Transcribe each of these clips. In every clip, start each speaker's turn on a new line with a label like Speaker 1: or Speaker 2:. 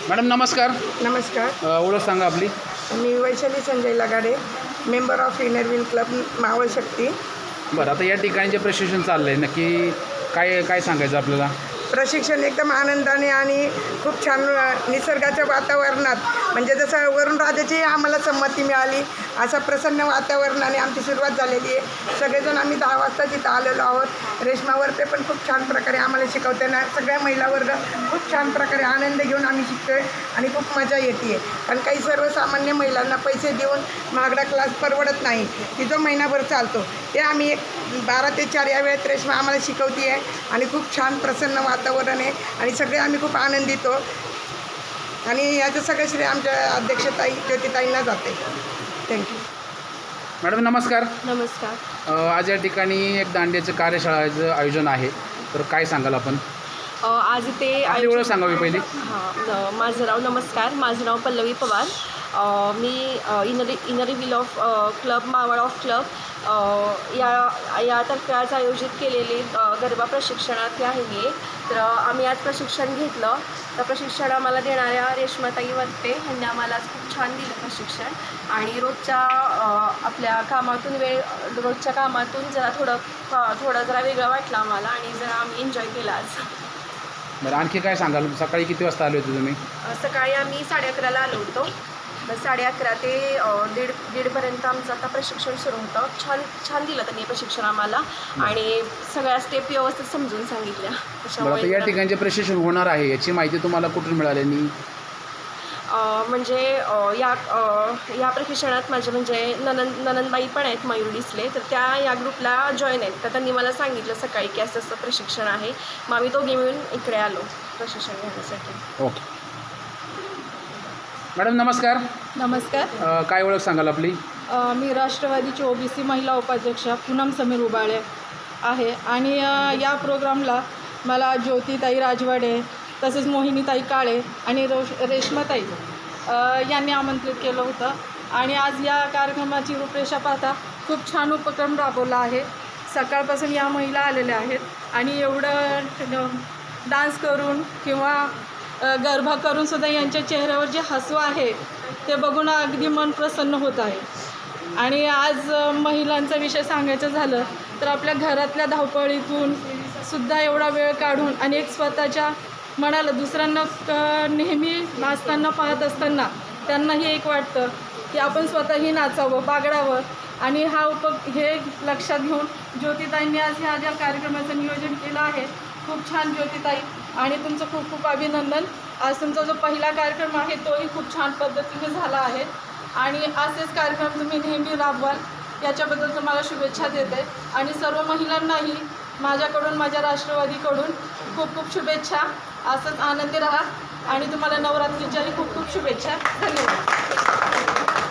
Speaker 1: Madam नमस्कार.
Speaker 2: नमस्कार.
Speaker 1: ओळख सांगा आपली.
Speaker 2: मी Vaishali Sanjay Lagade, member of inner wheel club Maval Shakti.
Speaker 1: बरं, आता या ठिकाणी जे प्रशिक्षण चाललं आहे नक्की काय काय सांगायचं आपल्याला?
Speaker 2: प्रशिक्षण एकदम आनंदाने आणि खूप छान निसर्गाच्या वातावरणात, म्हणजे जसं वरुण राजाची आम्हाला संमती मिळाली असा प्रसन्न वातावरणाने आमची सुरुवात झालेली आहे. सगळेजण आम्ही 10 वाजता तिथं आलेलो आहोत. रेश्मा वर्पे पण खूप छान प्रकारे आम्हाला शिकवताना सगळ्या महिला वर्ग खूप छान प्रकारे आनंद घेऊन आम्ही शिकतो आहे आणि खूप मजा येते आहे. कारण काही सर्वसामान्य महिलांना पैसे देऊन महागडा क्लास परवडत नाही, की जो महिनाभर चालतो ते आम्ही 12 ते 4 या वेळेत रेश्मा आम्हाला शिकवते आहे आणि खूप छान प्रसन्न वातावरण आहे आणि सगळे आम्ही खूप आनंदित आहोत. आणि याचं सगळं श्रेय आमच्या अध्यक्षताई ज्योतिताईंना जाते. थँक्यू.
Speaker 1: मॅडम नमस्कार.
Speaker 3: नमस्कार.
Speaker 1: आज या ठिकाणी एक दांडियाचं कार्यशाळेचं आयोजन आहे, तर काय सांगाल आपण?
Speaker 3: आज इथे
Speaker 1: आपली ओळख सांगावी पहिली.
Speaker 3: माझं नाव नमस्कार, माझं नाव पल्लवी पवार. मी inner wheel of club Maval of club यातर्फे आज आयोजित केलेली गरबा प्रशिक्षणार्थी आहे मी. तर आम्ही आज प्रशिक्षण घेतलं. तर प्रशिक्षण आम्हाला देणाऱ्या रेश्माताई वर्पे ह्यांनी आम्हाला आज खूप छान दिलं प्रशिक्षण. आणि रोजच्या आपल्या कामातून रोजच्या कामातून थोडं जरा वेगळं वाटलं आम्हाला आणि जरा आम्ही एन्जॉय केला आज.
Speaker 1: बरं, आणखी काय सांगाल? सकाळी किती वाजता आले होते तुम्ही?
Speaker 3: सकाळी आम्ही 11:30ला आलो होतो. 11:30 ते दीडपर्यंत आमचं आता प्रशिक्षण सुरू होतं. छान दिलं त्यांनी प्रशिक्षण आम्हाला आणि सगळ्या स्टेप व्यवस्थित समजून सांगितल्या.
Speaker 1: बरं, आता या ठिकाणी जे प्रशिक्षण होणार आहे याची माहिती तुम्हाला कुठून मिळाली?
Speaker 3: म्हणजे या प्रशिक्षणात माझे म्हणजे ननंदबाई पण आहेत मयूर डिसले, तर त्या या ग्रुपला जॉईन आहेत. तर त्यांनी मला सांगितलं सकाळी की असं प्रशिक्षण आहे. मग आम्ही दोघे मिळून इकडे आलो प्रशिक्षण घेण्यासाठी.
Speaker 1: ओके. मॅडम नमस्कार.
Speaker 4: नमस्कार.
Speaker 1: काय ओळख सांगाल आपली?
Speaker 4: मी राष्ट्रवादीची ओबीसी महिला उपाध्यक्षा पूनम समीर उबाळे आहे आणि या प्रोग्रामला मला ज्योतिताई राजवाडे तसेच मोहिनीताई काळे आणि रेश्माताई यांनी आमंत्रित केलं होतं. आणि आज या कार्यक्रमाची रूपरेषा पाहता खूप छान उपक्रम राबवला आहे. सकाळपासून या महिला आलेल्या आहेत आणि एवढं डान्स करून किंवा गरबा करूनसुद्धा यांच्या चेहऱ्यावर जे हसू आहे ते बघून अगदी मन प्रसन्न होत आहे. आणि आज महिलांचा विषय सांगायचं झालं तर आपल्या घरातल्या धावपळीतून सुद्धा एवढा वेळ काढून आणि एक स्वतःच्या मनाला दुसऱ्यांना नेहमी नाचताना पाहत असताना त्यांनाही एक वाटतं की आपण स्वतःही नाचावं, बागडावं. आणि हे लक्षात घेऊन ज्योतिताईंनी आज ह्या ज्या कार्यक्रमाचं नियोजन केलं आहे, खूप छान ज्योतिताई, आणि तुमचं खूप खूप अभिनंदन. आज तुमचा जो पहिला कार्यक्रम आहे तोही खूप छान पद्धतीने झाला आहे आणि असेच कार्यक्रम तुम्ही नेहमी राबवाल याच्याबद्दल तुम्हाला शुभेच्छा देते. आणि सर्व महिलांनाही माझ्याकडून, माझ्या राष्ट्रवादीकडून खूप खूप शुभेच्छा. असंच आनंदी राहा आणि तुम्हाला नवरात्रीच्याही खूप खूप शुभेच्छा. धन्यवाद.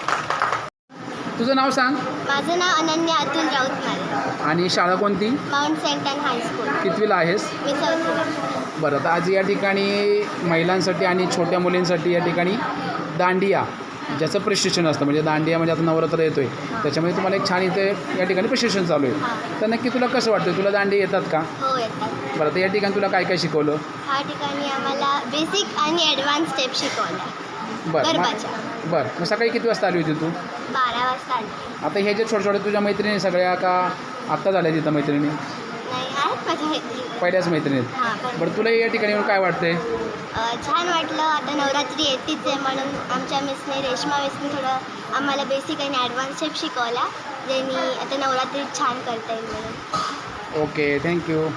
Speaker 1: तुझं नाव सांग.
Speaker 5: माझं नाव अनन्या अतुल राऊत.
Speaker 1: आणि शाळा कोणती?
Speaker 5: Mount Saint Ann high school.
Speaker 1: कितवीला आहेस?
Speaker 5: मी 4थीला.
Speaker 1: बरं, आता आज या ठिकाणी महिलांसाठी आणि छोट्या मुलींसाठी या ठिकाणी दांडिया ज्याचं प्रशिक्षण असतं, म्हणजे दांडिया म्हणजे आता नवरात्र येतो आहे त्याच्यामध्ये तुम्हाला एक छान इथे या ठिकाणी प्रशिक्षण चालू आहे. तर नक्की तुला कसं वाटतं? तुला दांडिया येतात का?
Speaker 5: हो, येतात.
Speaker 1: बरं, तर या ठिकाणी तुला काय काय शिकवलं?
Speaker 5: ह्या ठिकाणी आम्हाला बेसिक आणि ॲडव्हान्स स्टेप शिकवल्या गरबाच्या.
Speaker 1: बरं, मग सकाळी किती वाजता आली होती तू?
Speaker 5: 12 वाजता आली.
Speaker 1: आता हे जे छोट्या तुझ्या मैत्रिणी सगळ्या का आत्ता झाल्या तिथं मैत्रिणी?
Speaker 5: नाही, आहेत माझ्या मैत्रिणी.
Speaker 1: पहिल्याच मैत्रिणीत?
Speaker 5: हां.
Speaker 1: बरं, तुला या ठिकाणी येऊन काय वाटतंय?
Speaker 5: छान वाटलं. आता नवरात्री येतेच आहे म्हणून आमच्या रेश्मा मिसने थोडं आम्हाला बेसिक आणि ॲडव्हान्स स्टेप शिकवल्या, ज्यांनी आता नवरात्रीत छान करता येईल म्हणून.
Speaker 1: Okay, thank you.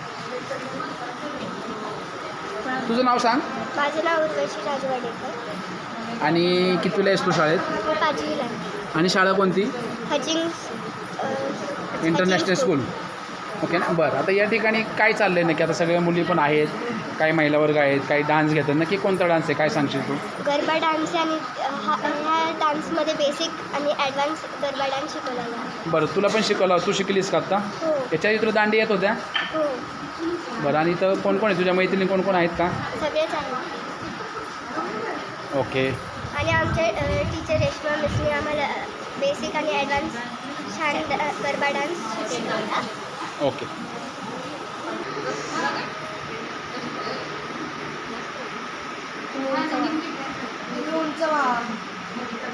Speaker 1: तुझं नाव सांग.
Speaker 5: माझं नाव उर्वशी राजवाडेकर.
Speaker 1: आणि कितवीला आहेस तू शाळेत?
Speaker 5: 5वीला.
Speaker 1: आणि शाळा कोणती? International school. ओके ना. बरं, आता या ठिकाणी काय चाललं आहे नक्की? आता सगळ्या मुली पण आहेत, काही महिला वर्ग आहेत, काही डान्स घेतात. नक्की कोणता डान्स आहे, काय सांगशील तू?
Speaker 5: गरबा डान्स आणि ह्या डान्समध्ये बेसिक आणि ॲडव्हान्स गरबा डान्स शिकवला आहे.
Speaker 1: बरं, तुला पण शिकवलं? तू शिकलीस का आत्ता?
Speaker 5: हो.
Speaker 1: याच्या तुला दांडी येत होत्या?
Speaker 5: हो.
Speaker 1: बरं, आणि इथं कोण कोण आहे? तुझ्या मैत्रिणी कोण कोण आहेत का?
Speaker 5: सगळेच आहे.
Speaker 1: ओके.
Speaker 5: आणि आमचे टीचर रेश्मा मिसने आम्हाला बेसिक आणि ॲडव्हान्स छान गरबा डान्स शिकवला.
Speaker 1: ओके.
Speaker 5: उंच व्हा.